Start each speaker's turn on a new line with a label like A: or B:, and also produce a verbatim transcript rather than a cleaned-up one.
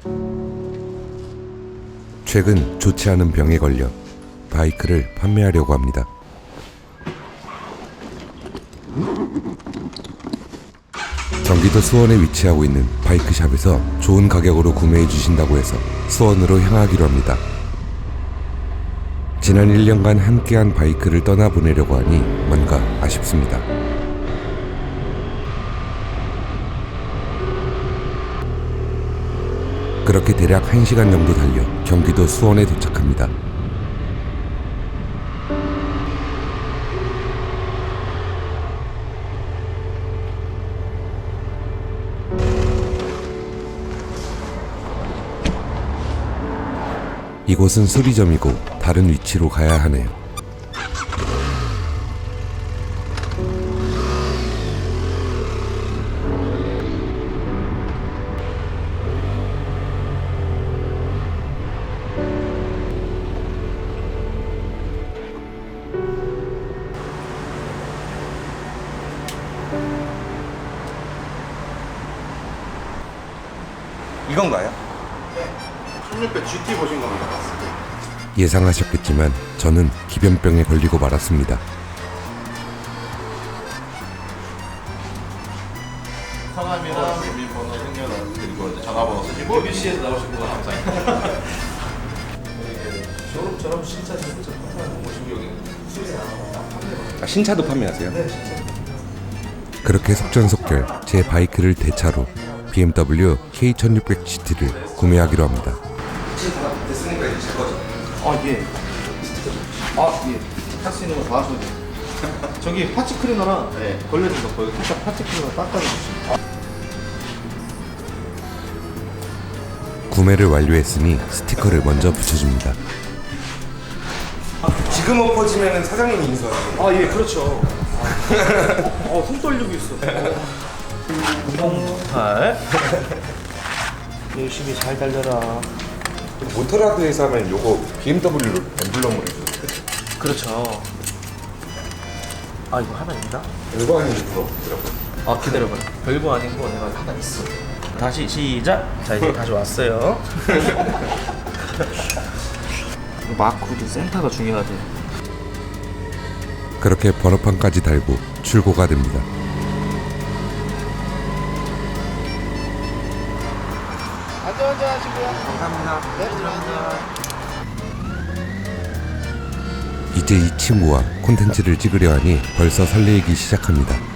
A: 최근 좋지 않은 병에 걸려 바이크를 판매하려고 합니다. 경기도 수원에 위치하고 있는 바이크샵에서 좋은 가격으로 구매해 주신다고 해서 수원으로 향하기로 합니다. 지난 일 년간 함께한 바이크를 떠나보내려고 하니 뭔가 아쉽습니다. 그렇게 대략 한 시간 정도 달려 경기도 수원에 도착합니다. 이곳은 수리점이고 다른 위치로 가야 하네요.
B: 이건가요?
C: 천육백 지티 보신 겁니다.
A: 예상하셨겠지만 저는 기변병에 걸리고 말았습니다.
C: 성함이랑 주민번호, 생년월 그리고 이제 전화번호 쓰시고 비비씨에서 나오신 분 감사합니다. 쇼룸처럼 신차 신부터 판매하는 곳이고 여기 수리나 판매가.
B: 아, 신차도 판매하세요?
C: 네, 진짜.
A: 그렇게 속전속결 제 바이크를 대차로 비엠더블유 케이 천육백 지티를 구매하기로 합니다.
B: 신차 됐으니까 이제 제 거죠?
C: 아 예. 아 예. 할 수 있는 거 다 하셔도 돼요. 저기 파츠 클리너랑 네. 걸려진 거 거기 살짝 파츠 클리너 닦아주시면.
A: 구매를 완료했으니 스티커를 먼저 붙여줍니다.
B: 지금 엎어지면 사장님이 인수하세요.
C: 아 예 그렇죠. 어, 손 떨리고 있어. 구십팔 열심히 잘 달려라.
B: 모터라드에서 하면 요거 비엠더블유로 엠블럼으로 해줘요.
C: 그렇죠. 아 이거 하나 있나?
B: 별거 아닌 게 부럽더라고요.
C: 아 기다려봐. 별거 아닌 거 내가 하나 있어. 다시 시작. 자 이제 다시 왔어요. 마크도 센터가 중요하대.
A: 그렇게 번호판까지 달고 출고가 됩니다.
C: 안전운전 하시고요. 감사합니다. 네, 감사합니다.
A: 이제 이 친구와 콘텐츠를 찍으려 하니 벌써 설레이기 시작합니다.